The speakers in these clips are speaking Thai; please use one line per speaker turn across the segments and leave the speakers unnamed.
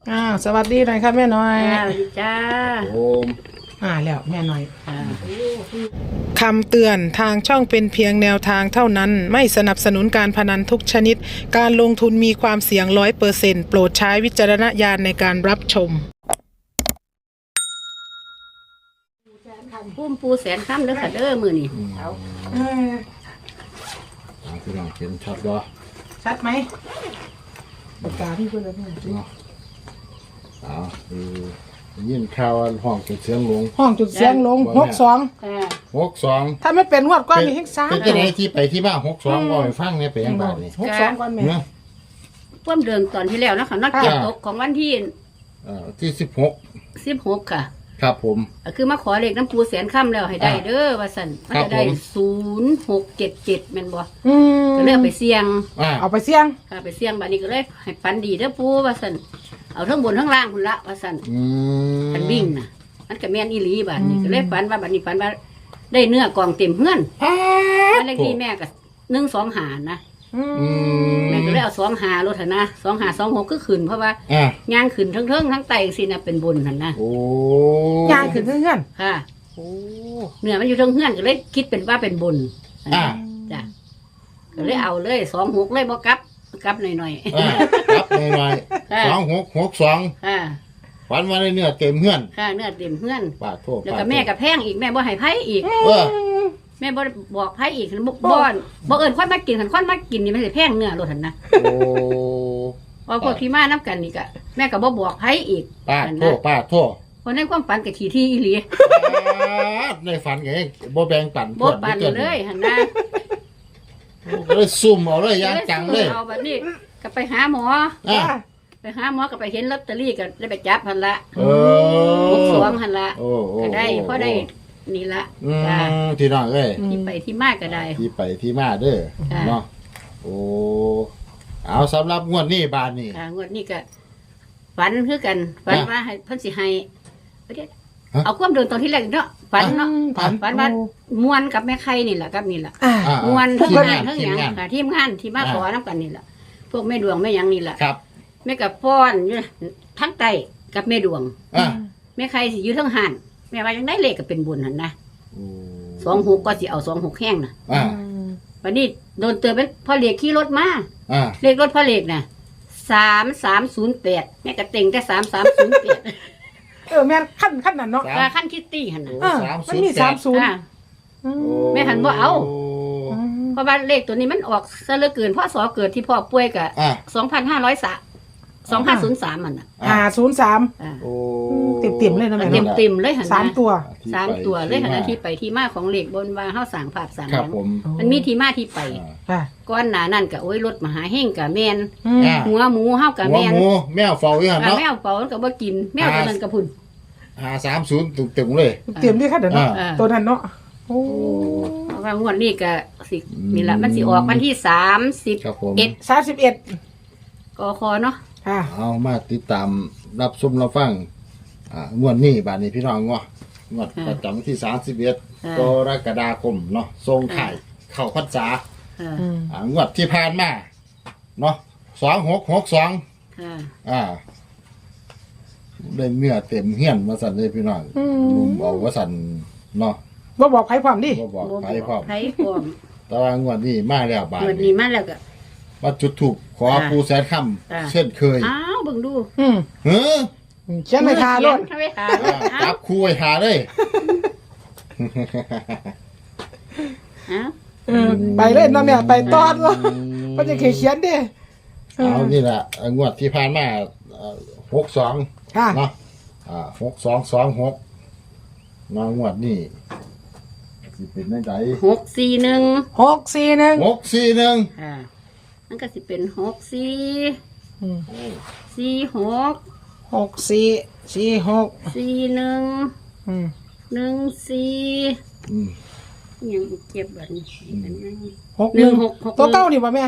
สวัสดีหน่อยครับแม่น้อย
สวัสดีจ้า
โอม
แล้วแม่น้อยคำเตือนทางช่องเป็นเพียงแนวทางเท่านั้นไม่สนับสนุนการพนันทุกชนิดการลงทุนมีความเสี่ยง100%โปรดใช้วิจารณญาณในการรับชม
พุ่มปูแสนค่ำเด้อค่ะเด้อมือนี่
พี่น้องเห็นชัดบ่
ชัดไหมปากกาพี่เพื่อนแล้วเนี่ย
ยินข่าวห้องจุดเสียงลง
ห้องจุดเสียงลง62ถ้าไม่เป็นงวดก้อนมีแห่ง3
เป็นจะไหนที่ไปที่บ้าน62ก็ไปฟังเนี่ยไปยังบ้านนี่
62ก้อนแม่
พุ่มเดิมตอนที่แล้วนะคะนักเก็บตกของวันที่
ที่16
ค่ะ
ครับผม
คือมาขอเลขน้ำปูแสนค่ำแล้วให้ได้เด้อว่าสั่นมันจะได้0677แม่นบ่ก็เลยไปเสี่ยง
เอาไปเสี่ยง
ค่ะไปเสี่ยงบัดนี้ก็เลยให้ฝันดีเด้อปูว่าสั่นเอาทั้งบนทั้งล่างพุ่นละว่าสั่นมันวิ่งน่ะมันก็แม่นอีหลีบัดนี้ก็เลยฝันว่าบัดนี้ฝันว่าได้เนื้อกองเต็มเฮือนบ้านเลขที่แม่ก็125นะแม่ก็เลยเอา25รถหั่นนะ2526ก็ขึ้นเพราะว่าย่างขึ้นทั้งทั้งไตสินะเป็นบุญหั่นนะ
ย่างขึ้นเฮือน
ค่ะเนื้อมันอยู่ทั้งเฮือนก็เลยคิดเป็นว่าเป็นบุญจ้ะก็เลยเอาเลย26เลยบ่กลับหน่อย
ๆกลับหน่อยๆ2662ฝันว่าได้เนื้อเต็มเฮือน
ค่ะเนื้อเต็มเฮือน
ปาดโทษ
แล้วก็แม่กับแพงอีกแม่บ่ให้ไผอีกแม่บ่บอกไผอีกบ่เอิ้นค่อยมากินคันค่อยมากินนี่มันสิแพงเนื้อโลดหั่นนะว่าพวกที่มานํกันนี่ก็แม่ก็บ่บอกไผอีก
ปาดโทษ
เพราะในความฝันก็ที่อีหลี
ในฝันก็บ่แบ่งปัน
บ่ปันเลยหั่นนะ
ก็เลยซุ่มเอาเลยย่างจังเลย
เอาบัดนี้ก็ไปหาหมอก็ไปเห็นลอตเตอรี่ก็ได้ไปจับหั่นละ62หั่นละก็ได้พอได้นี่ละ
ที่น้องเอ้ย
ที่ไปที่มาก็ได้
ที่ไปที่มาเด้อเนาะเอาสำหรับงวดนี้บานนี้
งวดนี้ก็ฝันคือกันฝันว่าให้เพิ่นสิให้เอาความเดินตอนที่แรกเนาะฝันเนาะฝันว่ามวนกับแม่ไข่นี่แหละกับนี่แหละมวนทั้งงานทั้งหยังค่ะทีมงานที่มาขอน้ำกันนี่แหละพวกแม่ดวงแม่ยังนี่แหละแม่กับป้อนอยู่ทั้งไตกับแม่ดวงแม่ไข่สิอยู่ทั้งหันแม่ว่ายังได้เลขก็เป็นบุญหั่นนะ26ก็สิเอา26แห้งน่ะวันนี้โดนเตือนเป็นพ่อเลขขี่รถมาเลขรถพ่อเลขน่ะ3308แม่ก็เต็งแต่3308
แม่ขั้นนั้นเนาะ
ขั้นคิตตี้หั่นน่ะ
มันมี30
แม่หันบ่เอาเพราะว่าเลขตัวนี้มันออกซะเหลือเกินพ่อสอเกิดที่พ่อป่วยก็2503มันน่ะ
503เต็มเลยนะแม่
เต็มเลยหั่นนะ
3ตัว
เลยหั่นนะที่ไปที่มาของเลขบนว่าเฮาสร้างภาพสร้างหยังมันมีที่มาที่ไปก่อนหน้านั้นก็โอ้ยรถมหาเฮงก็แม่นหัวหมูเฮาก็แม่น
หัวหมูแมวเฝ้าอยู่หั่นเนาะ
แมวเฝ้ามันก็บ่กินแมวตัวนั้นก็พุ่น
530เต็มเลย
เต็มด้วยค่ะเด้อเนาะตัวนั้นเนาะ
ว่างวดนี้ก็สินี่ล่ะมันสิออกวันที่31กคเนาะ
เอามาติดตามรับชมรับฟังงวดนี้บาดนี้พี่น้องงวดประจำที่31กรกฎาคมเนาะทรงไข่เข้าพรรษางวดที่ผ่านมาเนาะ2662ได้เนื้อเต็มเฮียนมาสั่นเลยพี่น้องลุมเอาว่าสั่นเนาะ
บ่บอกไผความดิ
บ่บอกไผความแต่ว่างวดนี้มาแล้วบาด
งวดนี้มาแล้วก็
มาจุดถูกขอปูแสนค่ำเช่นเคย
เบิ่งดู
เขียนไว้ทาโลด
จับคู่ไว้ทาเลย
ไปเล่นนะแม่ไปตอนวะมันจะเขียนดิ
เอานี่แหละงวดที่ผ่านมา62เนาะ6226งวดนี้สิเป็นได้ใด
641มันก็สิเป็นยังเก็บแบบนี้
ตัวเก้านี่ป่ะแม่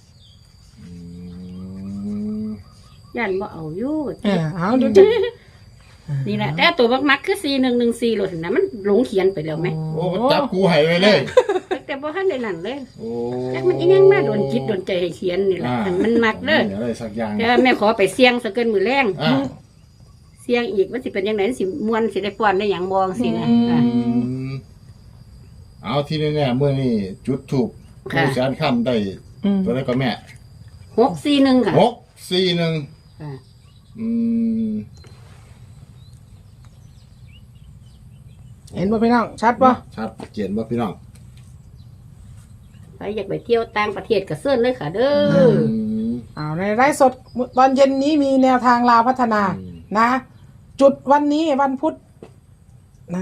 ยันบ่เอาอยู่
เอาดู
นี่แหละแต่ตัวมักคือ4114โลดนะมันหลงเขียนไปแล้วไหม
โอ้จับกูให้ไว้เลย
แต่บ่ทันได้นั่นเลย
โอ้
จักมันอีหยังมาโดนจิตโดนใจให้เขียนนี่แหละมันมักเด้อ
อะไรสักอย่าง
แต่ว่าแม่ขอไปเสี่ยงซะเกินมื้อแรง
อ่า
เสี่ยงอีกมันสิเป็นจังไดสิม่วนสิได้ป้อนได้หยังบ่จังซี่นะ
เอาที่แน่ๆเมื่อนี้จุดถูกผู้แสนค่ำได้ตัวได้ก็แม่
641ค่ะ
641
ค่ะ
เห็นบ่พี่น้องชัดป่ะ
ชัดเจนบ่พี่น้อง
ใครอยากไปเที่ยวต่างประเทศก็เชิญเลยค่ะเด้อ
ในไลฟ์สดตอนเย็นนี้มีแนวทางลาวพัฒนานะ จุดวันนี้วันพุธนะ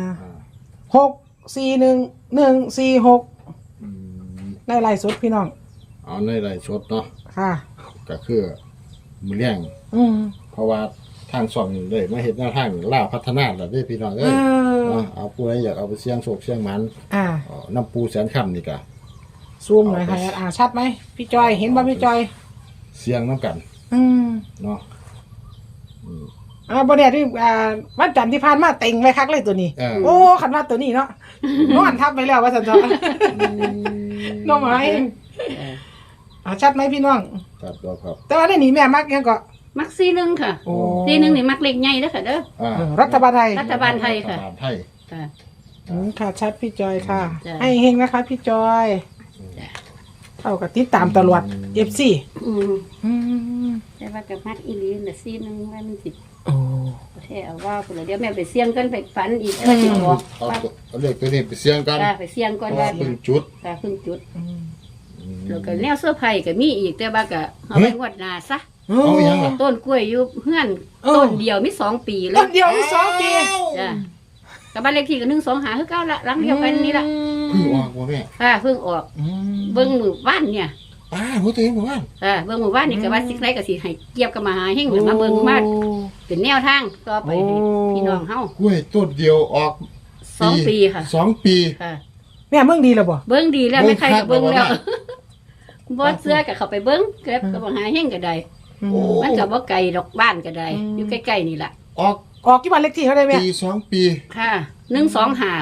641 146ในไลฟ์สดพี่น้อง
เอาในไรชดเนาะ
ค่ะ
ก็คือมือเลี้ยง เพราะว่าทางส่องเลยมาเห็นหน้าทางล่าวพัฒนาแล้วเด้อพี่น้องเอ้ยเนาะเอาผู้ใดอยากเอาไปเสี่ยงโชคเสี่ยงหมันน้ำปูแสนค่ำนี่ก็
ซูมหน่อยค่ะชัดไหมพี่จอยเห็นป่ะพี่จอย
เสี่ยงน้ำกันเนาะ
บ่เนี่ยที่วันจันทร์ที่ผ่านมาเต็งไว้คักเลยตัวนี้ โอ้ขันว่าตัวนี้เนาะนอนทับไปแล้วว่าสันจอน้องหมายชัดไหมพี่น้อง
ครับครับ
แต่ว่าได้หนีแม่มักยังก็
มัก41ค่ะ41นี่มักเล็กใหญ่เด้อค่ะเด้อ
รัฐบาลไทย
รัฐบาลไทยค่ะ
รัฐบาลไทย
ค่ะ
ค่ะชัดพี่จอยค่ะ
จ้ะ
ให้เฮงนะคะพี่จอยเท่ากับติดตามตลอดFC
แต่ว่ากับมักอีหลีน่ะ41ว่ามันสิ
โอ้
แท้เอาว่าพุ่นล่ะเดี๋ยวแม่ไปเสี่ยงกันไปฝันอีกว่าสิบอก
เอาเลขตัวนี้ไปเสี่ยงกัน
ไปเสี่ยงก่อน
ว่า
ว่า
เป็นจุด
ค่ะเพิ่งจุดแล้วก็แนวเสื้อไผ่ก็มีอีกแต่ว่าก็เอาไว้งวดหน้าซะ
เอาอีหยังล่ะ
ต้นกล้วยอยู่เฮือนต้นเดียวมี2 ปีเล
ต้
ย
นเดียวมี2 ปี
จ้ะกับบ้านเลขที่ก็125คือเก่าละหลังเดียวกันนี่ล่ะ
เพิ่งออกบ่แม่
ค่ะเพิ่งออกเบิ่งมือบ้านเนี่ย
หัวตัวเองบ่ว่า
เบิ่งมือบ้านนี่ก็ว่าสิไสก็สิให้เกียบกับมาหาเฮงหรือมาเบิ่งมาเป็นแนวทางต่อไปให้พี่น้องเฮาก
ล้วยต้นเดียวออก
2 ปีค่ะ
2 ปี
ค่ะ
แม่เมืองดีแล้วบ่
เบิ่งดีแล้วไม่ใครก็เบิ่งแล้ว
เบิ่งคัก
บ่เสื้อก็เข้าไปเบิ่งเก็บกับมาหาเฮงก็ได้
โอ้
มันก็บ่ไกลดอกบ้านก็ได้อยู่ใกล้ๆนี่ล่ะ
ออก
ออกกี่วันเลขที่เขาได้แม่
ปี2 ปี
ค่ะ125ค่ะ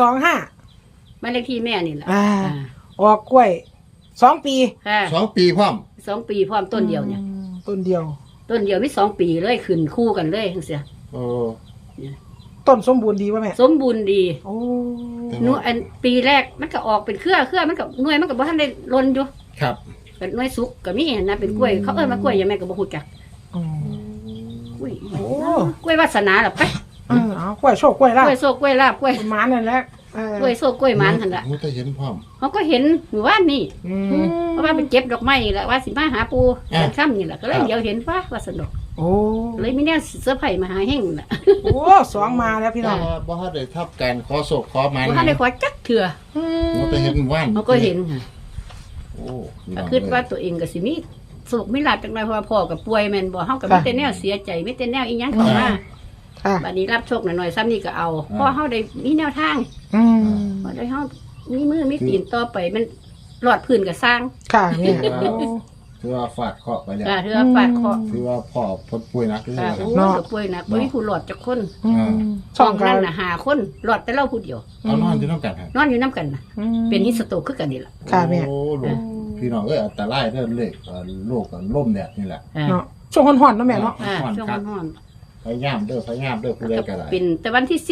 125
บ้านเลขที่แม่นี่ล่ะ
ออกกล้วย2 ปี
ค่ะ
2 ปีพร้อม
2 ปีพร้อมต้นเดียวเนี่ย
ต้นเดียว
ต้นเดียวมี2 ปีเลยขึ้นคู่กันเลยจังซี่
โอ้
ต้นสมบูรณ์ดีป่ะแม่
สมบูรณ์ดี
โอ้
หนูอันปีแรกมันก็ออกเป็นเครือมันก็หน่วยมันก็บ่ทันได้ล้นอยู่
ครับ
เป็นหน่วยสุกก็มีนะเป็นกล้วยเขาเอิ้นว่ากล้วยยังแม่ก็บ่ฮู้จักกล้วยกล้วยวาสนาล่ะไป
เอากล้วยโชคกล้วยลาบ
กล้วยโซกกล้วยลาบกล้วย
หมานั่นแหละ
กล้วยโซกกล้วยหมันหั่นล่ะ
โอ้แต่เห็นพร้อม
เขาก็เห็นหมู่บ้านนี่เพราะว่าไปเก็บดอกไม้นี่แหละว่าสิมาหาปูแสนค่ำนี่แหละก็เลยเดี๋ยวเห็นว่าสนุก
โอ้
เลยมีแนวเสื้อร์ไผ่มาหาเฮงน่ะ
โอ้2มาแล้วพี่น้อง
บ่ทันได้ทับการขอโศกขอหมัน
ว่าได้ขอจักเถื่อ
โอ้แต่เห็นว่าน
เขาก็เห็นค่ะ
โอ้พี่
ก็
น้อง
คิดว่าตัวเองก็สิมีสุขมีลาภจังไดเพราะว่าพ่อกับป่วยแม่นบ่เฮาก็มีแต่แนวเสียใจมีแต่แนวอีหยังเข้ามา
ค่ะ
บัดนี้รับโชคหน่อยๆซ้ำนี่ก็เอาเพราะเฮาได้มีแนวทางพอได้เฮามีมือมีตีนต่อไปมันรอดพื้นก็สร้าง
ค่ะเนี่ย
ถือว่าฟาดเคราะห์ไปแล้ว
เถือปาดเคาะ
ถือว่าพ่อพ้นป่วยหนักที่สุ
ค่ะ
ด
โอ้
แล้ว
ก็ป่วยหนักบ่มีผู้รอดจักคน
ช่อง
นั้
กัน
นน่ะ5คนรอดแต่เราผู้เดียว
เอานอนที่น้ำกันครับ
นอนอยู่น้ำกันน่ะเป็นฮิสโตรกคือกันนี่ล่ะ
ค่ะแม่
โอ้ลูกพี่น้องเอ้ยอันตรายเด้อเลขโรคล่มแดดนี่แหละ
เนาะช่วงห่อนๆเนาะแม่เนาะ
ช่วงร้อน
พยายามเด้อผู้ใดก็ได้
เป็นแต่วันที่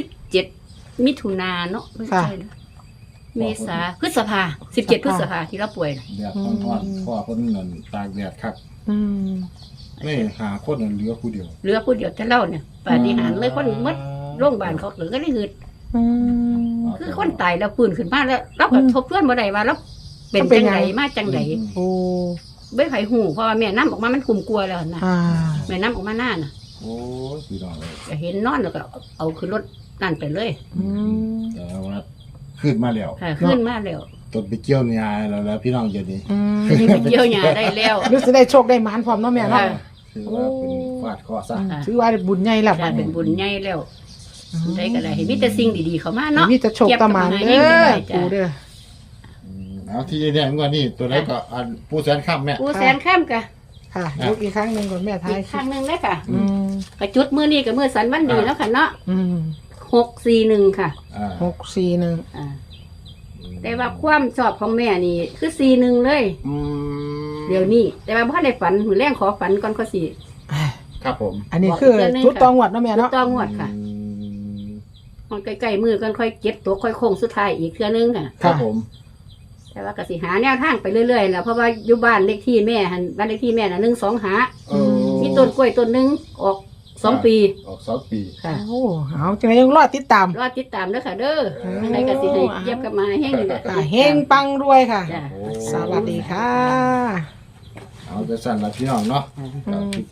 17มิถุนาเนาะไม่ใช่นะเมษาพฤษภา17พฤษภาที่เราป่วยน่ะ
แดดร้อนๆพ่อเพิ่นนั่นตากแดดคักนี่หาคนนั่นเหลือผู้เดียว
เหลือผู้เดียวแต่เราเนี่ยปาฏิหาริย์เลยคนหมดโรงพยาบาลเขาเหลือก็ได้หืดคือคนตายแล้วปืนขึ้นมาแล้วเราก็ทบทวนบ่ได้ว่าเราเป็นจังไดมาจังได
โอ้
ไม่ไผหูเพราะว่าแม่น้ำออกมามันคุมกลัวแล้วนะ
อ่า
แม่น้ำออกมาหน้าน่ะ
โอ้ยพี่น้องเอ้ย
ก็เห็นนอนแล้วก็เอาขึ้นรถนั่นไปเลย
แต่ว่าขึ้นมาแล้ว
ค่ะขึ้นมาแล้ว
ต้นไปเกี่ยวเนี่ยแล้วพี่น้องจะดี
นี่ไปเกี่ยวหญ้าได้แล้ว
รู้สึกได้โชคได้หมานพร้อมเนาะแม่เนาะ
ถือว่าเป็นฟาดเคราะห์ซะ
ถือว่าบุญใหญ่แล้ว
ค่ะเป็นบุญใหญ่แล้วได้ก็ได้ให้มีแต่สิ่งดีๆเข้ามาเนาะ
มีแต่โชคตะหมานเด้อปูเด้อ
เอาที่เนี่ยงวดนี้ตัวไหนก็อันผู้แสนค่ำแม่
ปูแสนข้ามกะ
ค่ะยกอีกครั้งหนึ่งก่อนแม่ท้าย
อีกครั้งหนึงเลยค่ะ
อืม
กระจุดมือนี่กับมือสันวันดีแล้วค่ะเนาะ
อืม
641ค่ะ
อ่า
641
อ่าแต่ว่าความชอบของแม่นี่คือ41เลย
อืม
เดี๋ยวนี้แต่ว่าบ่ได้ฝันมื้อแรงขอฝันก่อนก็สิ
ครับผม
อันนี้คือชุดตองหวัดเนาะแม่เนาะ
ต้องงวดค่ะ
อืม
มันใกล้ๆมือกันค่อยเก็บตัวค่อยโค้งสุดท้ายอีกเทื่อนึงค่ะ
ครับผม
แต่ว่าก็สิหาแนวทางไปเรื่อยๆแหล้วเพราะว่าอยู่บ้านเลขที่แม่หันบ้านเลขที่แม่น่ะ125
เออ
มีต้นกล้วยต้นหนึงออก2 ปี
ออก2 ปี
ค่ะ
โอ้เอาจังไงยังรอดติดตาม
รอติดตามเด้อค่ะเด้อยังไงก็สิให้เก็บกลับมาแห้งนี่แหละ
ค่ะเฮงปังรวยค่ะ
จ้ะ
โอ้
สวัสดีค่ะ
เอาจะสั่นละพี่น้องเนาะ
อืม